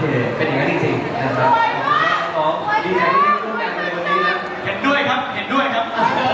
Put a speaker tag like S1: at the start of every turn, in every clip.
S1: เป็นอย่างนั้นจริงๆนะครับน้องดีใจที่ได้ร่วมงานกันในวันนี้นะ
S2: เห็นด้วยครับเห็นด้วยครับ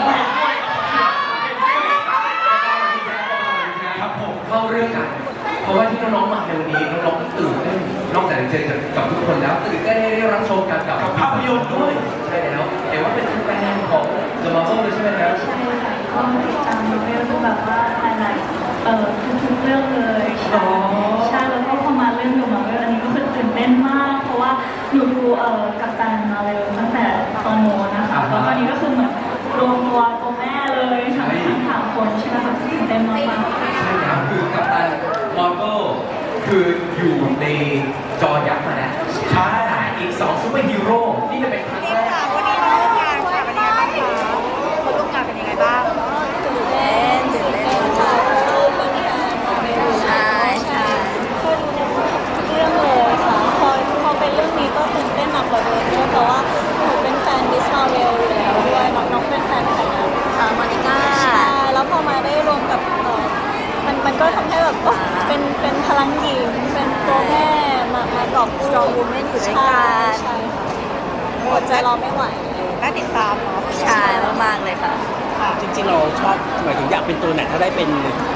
S2: ครับผม
S1: เข้าเรื่องกันเพราะว่าที่น้องๆมาในวันนี้น้องๆก็ตื่นเต้นนอกจากจะเจอกับทุกคนแล้วตื่นเต้นได้รับชมกันกับ
S2: ภาพยนตร์ด้วย
S1: ใช่แล้วเห็นว่าเป็นแฟนของ The Marvel เลยใช่ไหมครับ
S3: ใช่ค่ะก็ติดตามเรื่องแบบว่าหลายทุกๆเรื่องเลยใช่แล้วก็พอมาเรื่องดูมาเรื่องอันนี้ก็คือตื่นเต้นมากเพราะว่าหนูดูกัปตันมาเลยตั้งแต่ตอนโน้นนะคะแล้วตอนนี้ก็คือเหมือนรวมตัวแม่เลยทั้งสามคนใช่ไหมคะตื่นเต้นมากๆ
S1: ใช่ครับคือกัปตันมาร์เวลคืออยู่ในจอยักษ์มาแล้วใช่อีก2ซูเปอร์ฮีโร่ที่จะเป็นครั้งแรก
S4: วันนี้มาร่วมงานค่ะเป็นยังไงบ้างคะคนร่วมงานเป็นยังไงบ้างตื่นเต้นค่ะใช่
S5: ก็ดูทุกเรื่องเลยค่ะพอเป็นเรื่องนี้ก็ตื่นเต้นหนักกว่าเดิมด้วยเพราะว่าหนูเป็นแฟนมิสมาเวลอยู่แล้วด้วยน้องเป็นแฟนใครนะ
S4: มาริก้า
S5: ใช่แล้วพอมาได้รวมกับมันก็ทำให้แบบเป็นพลังหญิงเป็นตัวแม่มาตอบ
S4: strong woman อยู่ด้วยกัน
S5: ใช่ค่ะอดใจรอไม่ไหว
S4: น่าติดตามเนาะใช่มากๆเลยค่ะ
S2: จริงๆเราชอบหมายถึงอยากเป็นตัวไหนถ้าได้เป็น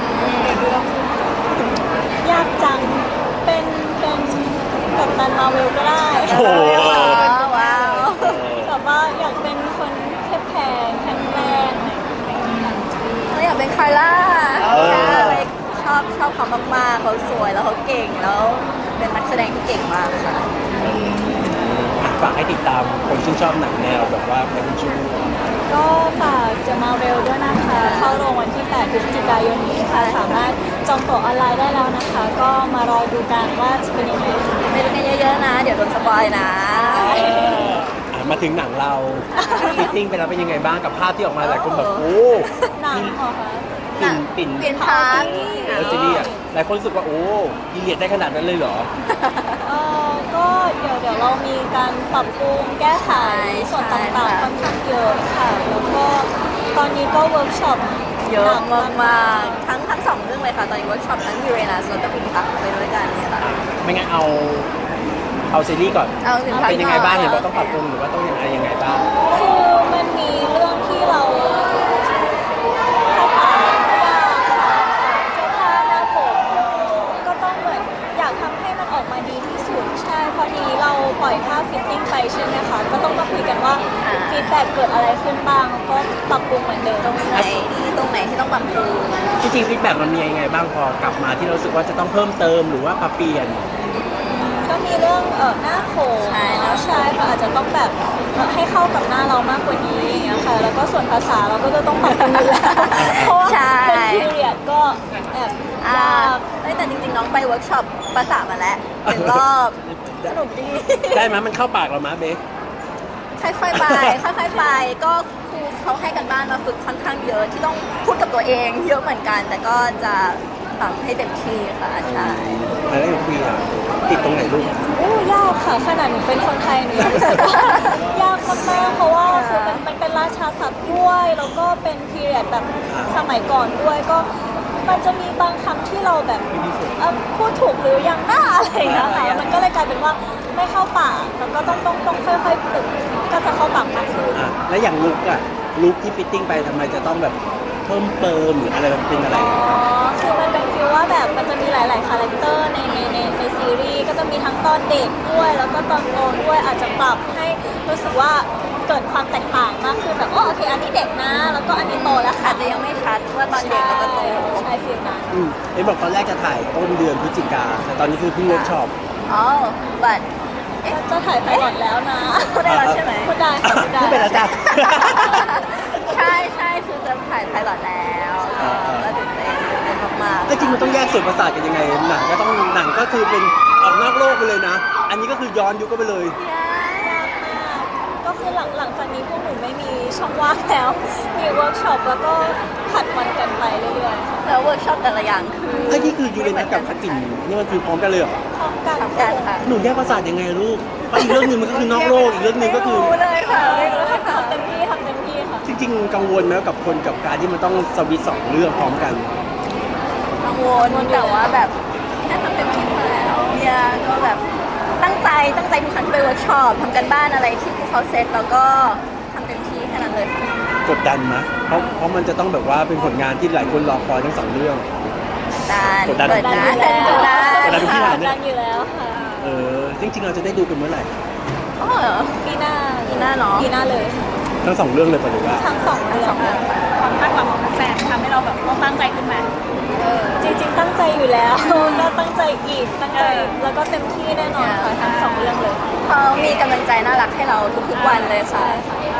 S5: ยากจังเป็นกัปตันมาเวลก็ได้
S2: โอ้
S4: ว้าว
S5: แต่ว่าอยากเป็นคนแข็งแรง
S4: เราอยากเป็นคาร่าชอบเขามากๆเขาสวยแล้วเขาเก่งแล้วเป็นนักแสดงที่เก่งมากค่ะ
S2: ฝากให้ติดตามคนชื่นชอบหนังแนวแบบว่าเป็นชู
S5: ก็ฝากจะมาเร็วด้วยนะคะเข้าโรงวันที่8 พฤศจิกายนนี้ค่ะสามารถจองตั๋วออนไลน์ได้แล้วนะคะก็มารอดูกันว่าจะเป็นยังไง
S4: ไปดูกันเยอะๆนะเดี๋ยวโดนสปอยนะ
S2: มาถึงหนังเราฟิตติ้งไปแล้วเป็นยังไงบ้างกับภาพที่ออกมาหลายคนแบบโอ้
S5: หนังเหรอคะ
S2: ปิ่น
S4: พาร์ท
S2: ซีรีส์หลายคนรู้สึกว่าโอ้ดีเลียดได้ขนาดนั้นเลยเหรอ
S5: ก็เดี๋ยวเรามีการปรับปรุงแก้ไขส่วนต่างๆค่อนข้างเยอะค่ะแล้วก็ตอนนี้ก็เวิร์กช็อป
S4: เยอะมากๆทั้งสองเรื่องเลยค่ะตอนนี้เวิร์กช็อปทั้งยูเรนัสแล้วก็พิมพ์พักไปด้วยกันเนี่ยค่ะ
S2: ไม่งั้นเอาซีรีส์ก่อนเป็นยังไงบ้างเห็นว่าต้องปรับปรุงหรือว่าต้องยังไงบ้าง
S5: คือมันมีเรื่องที่เราภาษายากค่ะเสื้อผ้าหน้าผมก็ต้องเหมือนอยากทำให้มันออกมาดีที่สุดใช่พอดีเราปล่อยภาพฟิตติ้งไปใช่ไหมคะก็ต้องมาคุยกันว่าฟีดแบ็กเกิดอะไรขึ้นบ้างก็ปรับปรุงเหมือนเดิม
S4: ตรงไหนที่ต้องปรับปรุง
S2: จริงๆฟีดแบ็กมันมียังไงบ้างพอกลับมาที่เราสึกว่าจะต้องเพิ่มเติมหรือว่าปรับเปลี่ยน
S5: ก็มีเรื่องหน้าโขนใช่ค่ะอาจจะต้องแบบให้เข้ากับหน้าเรามากกว่านี้อย่างเงี้ยค่ะแล้วก็ส่วนภาษาเราก็จะต้องปรับปรุงอยู่แล้วเพราะว่าเป็นพีเรียดก็แอบยาก
S4: แต่จริงๆน้องไปเวิร์กช็อปภาษามาแล้ว1 รอบสนุกดี
S2: ได้ไหมมันเข้าปากเราไหมเบค
S4: ค่อยๆไปก็ครูเขาให้กันบ้านมาฝึกค่อนข้างเยอะที่ต้องพูดกับตัวเองเยอะเหมือนกันแต่ก็จะทำให้เต็มที่ค่ะใช่
S2: แล้วอย่างคุยอ่ะติดตรงไหนลูก
S5: ยากค่ะขนาดหนูเป็นคนไทยหนูรู้สึกว่ายากมากๆเพราะว่าคือมันเป็นราชาศัพท์ด้วยแล้วก็เป็นพีเรียดแบบสมัยก่อนด้วยก็มันจะมีบางคำที่เราแบบพูดถูกหรือยังหน้าอะไรอย่างเงี้ยค่ะมันก็เลยกลายเป็นว่าไม่เข้าปากแล้วก็ต้องค่อยๆฝึกก็จะเข้าปากมากขึ้น
S2: แล้วอย่างลุคที่ฟิตติ้งไปทำไมจะต้องแบบเพิ่มเติมหรืออะไรเป็นอะไร
S5: คือมันเป็นฟีลว่าแบบมันจะมีหลายๆคาแรคเตอร์ในซีรีส์ก็จะมีทั้งตอนเด็กด้วยแล้วก็ตอนโตด้วยอาจจะปรับให้รู้สึกว่าเกิดความแตกต่างมากขึ้นแบบโอเคอันนี้เด็กนะแล้วก็อันนี้โตแล้ว
S4: อาจจะยังไม่ชัดว่าตอนเด็กแล้วก็โต
S5: ใช่ฟีลนั้น
S2: เอ็มบอกตอนแรกจะถ่ายต้นเดือนพฤศจิกาแต่ตอนนี้คือเพิ่งเวิร์กช็อป
S4: บัด
S5: จะถ่ายไปก่อนแล้วนะ
S4: พูดได้แล้วใช่ไหม
S5: พูดได้ค่ะพูดได้
S2: พูดไปแล้วจ้ะ
S4: ใช่คือจะถ่ายไพลอตแล้วก็ตื่นเต้นมาก
S2: ๆจริงมันต้องแยกส่วนประสาทกันยังไงหนังก็คือเป็นออกนอกโลกไปเลยนะอันนี้ก็คือย้อนยุคก็ไปเลย
S5: ยากมากก็คือหลังจากนี้พวกหนูไม่มีช่องว่างแล้วมีเวิร์กช็อปแล้วก็ผัดวันกันไปเรื่อย
S4: ๆแล้วเวิร์กช็อปแต่ละอย่างคือ
S2: ไอ้นี่คือยูเรนัสกับสกินนี่มันคือพร้อมกันเลยเหรอ
S5: พร้อมกัน
S4: ค่ะ
S2: หนูแยกประสาทยังไงลูกเพราะอีกเรื่องนึงมันก็คือนอกโลกอีกเรื่องนึงก็คือ
S4: รู้เลยค่ะ
S5: ทำเต็มที่ค่ะ
S2: จริงๆกังวลไหมกับคนกับการที่มันต้องสวิตช์2 เรื่องพร้อมกัน
S4: กังวลแต่ว่าแบบแค่ทำเต็มที่แล้วเนี่ยก็แบบตั้งใจตั้งใจทุกครั้งที่ไปเวิร์กช็อปทำกันบ้านอะไรที่พวกเขาเซตแล้วก็ทำเต็มที่แค่นั้นเลยค่ะ
S2: กดดันนะเพราะมันจะต้องแบบว่าเป็นผลงานที่หลายคนรอคอยทั้งสองเรื่อง กดดัน
S4: กดดัน
S2: กดดันทุกที่
S5: ค่ะ
S2: ถามเนี่ย
S5: ดันอยู่แล้วค่ะ
S2: จริงๆเราจะได้ดูกันเมื่อไหร่
S4: อ๋อเหรอ
S5: ปีหน้า
S4: ปีหน้าเนาะ
S5: ปีหน้าเลยค่ะ
S2: ทั้งสองเรื่องเลยปะหรือว่า
S5: ทั้งสองเรื่องค่ะ
S3: ความคาดหวังของแฟนทำให้เราแบบต้องตั้งใจขึ้นมา
S5: จริงๆตั้งใจอยู่แล้ว ก็ตั้งใจอีกตั้งใจแล้วก็เต็มที่แน่นอนค่ะทั้งสองเรื่องเลย
S4: เขามีกำลังใจน่ารักให้เราทุกๆวันเลยค่ะ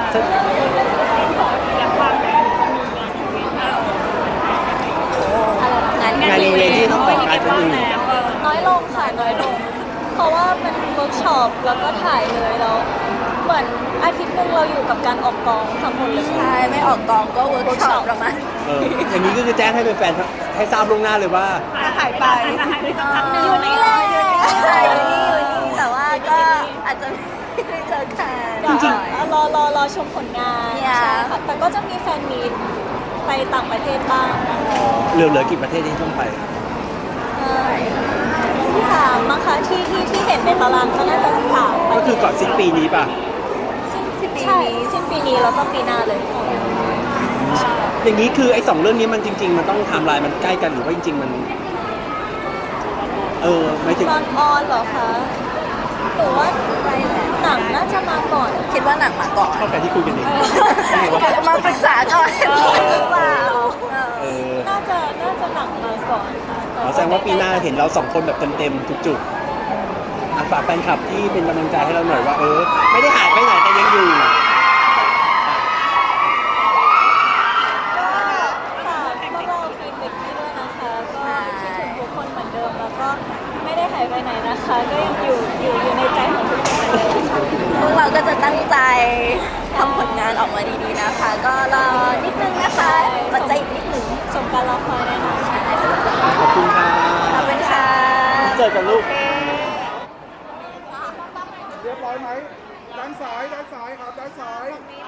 S2: งานอีเวนท์ที่ต้องแต่งกายเป็นอื่น
S5: น้อยลงค่ะน้อยลง เพราะว่าเป็นเวิร์กช็อปแล้วก็ถ่ายเลยแล้วเหมือนอาทิตย์หนึงเราอยู่กับการออกกองทั้งหมดเลย
S4: ใช่ไม่ออกกองก็เวิร์กช็อปประมาณ
S2: อย่างนี้ก็คือแจ้งให้แฟนๆให้ทราบล่วงหน้าเลยว่า
S3: หายไป
S5: อยู่นี่แหละ
S4: ใช่อยู่นี่แต่ว่าก็อาจจะไม่ได้เจอกัน
S5: จริงๆรอชมผลงาน
S4: เนี่ย
S5: ใช่ค่ะแต่ก็จะมีแฟนมีตไปต่างประเทศบ้าง
S2: เหลือกี่ประเทศที่ต้องไป
S5: สามมั้งคะที่เห็นในตารางก็น่าจะสาม
S2: ก็คือก่อนสิ้นปีนี้ป่ะ
S5: ใช่สิ้นปีนี้แล้วก็ปีหน้าเลย
S2: อย่างนี้คือไอ้สองเรื่องนี้มันจริง ๆ มันต้องไทม์ไลน์มันใกล้กันหรือว่าจริง ๆ มันไม่ถึง
S5: ตอนออนเหรอคะหรือว่าหนังน่าจะมาก่อน
S4: คิดว่าหนังมาก่อน
S2: เข้ากันที่คุยกันเอง
S4: มาปรึกษาก่อนหรือเปล่า
S5: น่าจะหนังมาก่อนค่ะ
S2: แสดงว่าปีหน้าเห็นเราสองคนแบบเต็มๆทุกจุดฝากแฟนคลับที่เป็นกำลังใจให้เราหน่อยว่าไม่ได้หายไปไหนแต่ยังอยู่
S5: ก็ฝากพวกเราฟีดแบ็กที่ด้วยนะคะก็คิดถึงทุกคนเหมือนเดิมแล้วก็ไม่ได้หายไปไหนนะคะ ก็ยังอยู่ในใจของทุกคนเหมือนเดิมค่ะ
S4: พวกเราก็จะตั้งใจทำผลงานออกมาดีๆนะคะ ก็รอนิดนึงนะคะอดใจอีกนิดนึง
S5: สมการรอคอยแน่นอนค่ะ
S2: ขอบคุณค่ะ
S4: ขอบคุณค่ะ
S2: เจอกันลูก
S6: เรียบร้อยไหมด้านซ้ายครับด้านซ้าย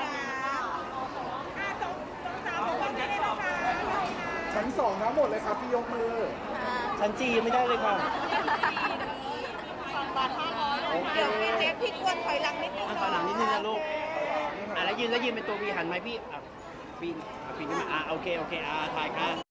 S6: ชั้นสองทั้งหมดเลยครับพี่ยกมือ
S2: ชั้นจียังไม่ได้เลยค่ะพี่กวนถอยหลังนิดนึงถอยหลังนิดนึงนะลูกแล้วยืนเป็นตัววีหันไหมพี่ปีนขึ้นมาโอเคถ่ายค่ะ